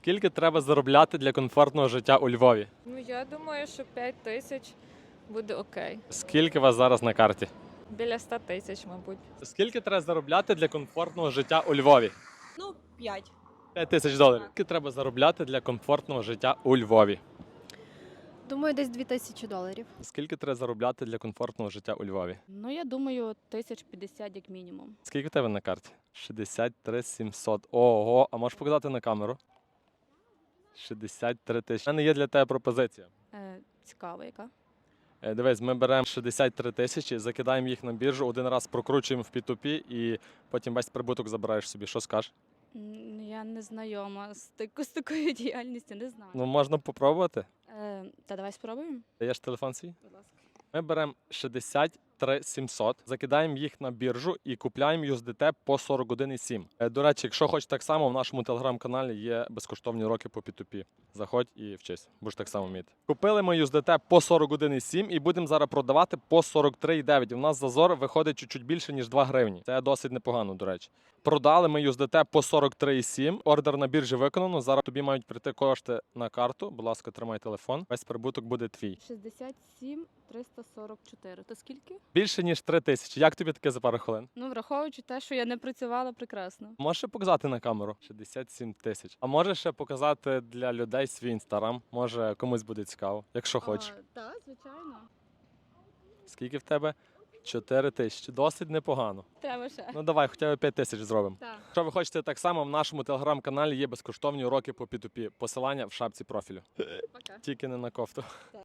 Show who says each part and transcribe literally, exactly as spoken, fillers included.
Speaker 1: Скільки треба заробляти для комфортного життя у Львові?
Speaker 2: Ну, я думаю, що п'ять тисяч буде окей.
Speaker 1: Скільки у вас зараз на карті?
Speaker 2: Біля ста тисяч, мабуть.
Speaker 1: Скільки треба заробляти для комфортного життя у Львові?
Speaker 3: Ну, п'ять.
Speaker 1: п'ять тисяч доларів. Скільки треба заробляти для комфортного життя у Львові?
Speaker 4: Думаю, десь дві тисячі доларів.
Speaker 1: Скільки треба заробляти для комфортного життя у Львові?
Speaker 3: Ну, я думаю, тисяч п'ятдесят як мінімум.
Speaker 1: Скільки в тебе на карті? шістдесят три сімсот. Ого, а можеш показати на камеру? шістдесят три тисячі. У мене є для тебе пропозиція.
Speaker 3: Е, цікаво, яка.
Speaker 1: Е, Дивись, ми беремо шістдесят три тисячі, закидаємо їх на біржу, один раз прокручуємо в пі ту пі і потім весь прибуток забираєш собі. Що скажеш?
Speaker 3: М, Я не знайома з, тако- з такою діяльністю, не знаю.
Speaker 1: Ну, можна попробувати.
Speaker 3: Е, та давай спробуємо.
Speaker 1: Даєш телефон свій?
Speaker 3: Будь ласка.
Speaker 1: Ми беремо шістдесят три сімсот, закидаємо їх на біржу і купляємо ю ес ді те по сорок один і сім. Е, До речі, якщо хочеш так само, в нашому телеграм-каналі є безкоштовні уроки по пі ту пі. Заходь і вчись, будеш так само вміти. Купили ми ю ес ді те по сорок один і сім і будемо зараз продавати по сорок три і дев'ять. У нас зазор виходить чуть-чуть більше, ніж два гривні. Це досить непогано, до речі. Продали ми ю ес ді те по сорок три і сім. Ордер на біржі виконано. Зараз тобі мають прийти кошти на карту. Будь ласка, тримай телефон. Весь прибуток буде твій.
Speaker 3: шістдесят сім триста сорок чотири. То скільки?
Speaker 1: Більше, ніж три тисячі. Як тобі таке за пару хвилин?
Speaker 3: Ну, враховуючи те, що я не працювала прекрасно.
Speaker 1: Можеш ще показати на камеру? шістдесят сім тисяч. А можеш ще показати для людей свій інстаграм? Може комусь буде цікаво, якщо хочеш.
Speaker 3: Так, звичайно.
Speaker 1: Скільки в тебе? чотири тисячі. Досить непогано.
Speaker 3: Треба ще.
Speaker 1: Ну давай, хоча б п'ять тисяч зробимо.
Speaker 3: Так.
Speaker 1: Якщо ви хочете так само, в нашому телеграм-каналі є безкоштовні уроки по пі ту пі. Посилання в шапці профілю.
Speaker 3: Пока.
Speaker 1: Тільки не на кофту.